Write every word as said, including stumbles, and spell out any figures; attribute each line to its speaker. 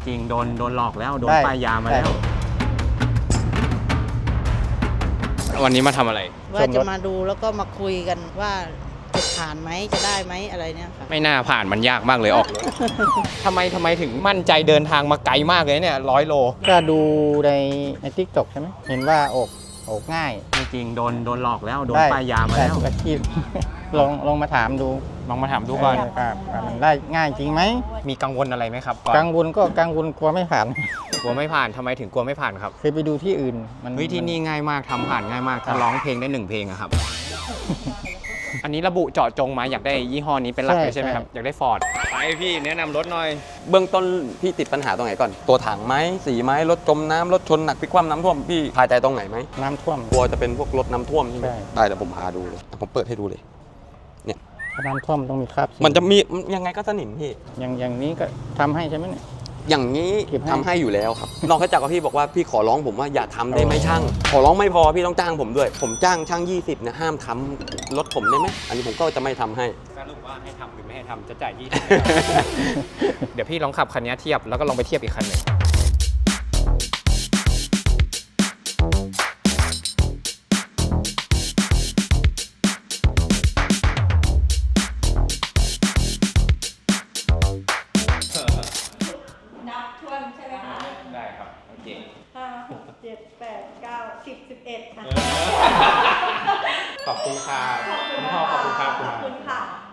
Speaker 1: ริงๆโดนโดนหลอกแล้วโดนป้ายยามาแล้ววันนี้มาทำอะไร
Speaker 2: ว่าจะมาดูแล้วก็มาคุยกันว่าจะผ่านไหมจะได้ไหมอะไรเนี่ยค่ะ
Speaker 1: ไม่น่าผ่านมันยากมากเลยออกรถ ทำไมทำไมถึงมั่นใจเดินทางมาไกลมากเลยเนี่ยร้อยโล
Speaker 3: ก็ดูในในทิกตอกใช่ไหมเห็นว่าออกออกง่าย
Speaker 1: จริงๆโดนโดนหลอกแล้วโดนป้ายยามาแล้ว
Speaker 3: อาชีพ ลองลองมาถามดู
Speaker 1: ลองมาถามดูก่อน
Speaker 3: ครับมันได้ง่ายจริงไหม
Speaker 1: มีกังวลอะไรไหมครับ
Speaker 3: กังวลก็กังวลกลัวไม่ผ่าน
Speaker 1: กลัวไม่ผ่านทำไมถึงกลัวไม่ผ่านครับ
Speaker 3: เคยไปดูที่อื่นมัน
Speaker 1: เฮ้ยที่นี่ง่ายมากทำผ่านง่ายมากถ้าร้องเพลงได้หนึ่งเพลงอะครับ อันนี้ระบุเจาะจงมาอยากได้ยี่ห้อนี้เป็นหลักเลยใช่ไหมครับอยากได้ฟอร์ดไปพี่แนะนำรถหน่อย
Speaker 4: เบื้องต้นพี่ติดปัญหาตรงไหนก่อนตัวถังไหมสีไหมรถจมน้ำรถชนหนักพลิกคว่ำน้ำท่วมพี่พาใจตรงไหนไหม
Speaker 3: น้ำท่วม
Speaker 4: กลัวจะเป็นพวกรถน้ำท่วมใช่ไหมได้เดี๋ยวผมพาดูเลยผมเปิดให้ดูเลยเนี่ย
Speaker 3: น้ำท่วมต้องมีคราบ
Speaker 4: มันจะมียังไงก็สนิมพี่
Speaker 3: อย่างอย่างนี้ก็ทำให้ใช่ไหมเนี่ย
Speaker 4: อย่างนี้ทำให้อยู่แล้วครับนอกจากว่าพี่บอกว่าพี่ขอร้องผมว่าอย่าทำได้ไหมช่างขอร้องไม่พอพี่ต้องจ้างผมด้วยผมจ้างช่างยี่สิบเนี่ยห้ามทำรถผมได้ไหมอันนี้ผมก็จะไม่ทำให้
Speaker 1: สรุปว่าให้ทำหรือไม่ให้ทำจะจ่ายยี่สิบ เดี๋ยวพี่ลองขับคันนี้เทียบแล้วก็ลองไปเทียบอีกคันหนึ่งได้ครับโอเค
Speaker 2: ห้าหกเจ็ดแปดเก้าสิบสิบเอ็ด
Speaker 1: ขอบคุณค่ะคุณพ่อขอบคุณครับขอบคุณค่ะ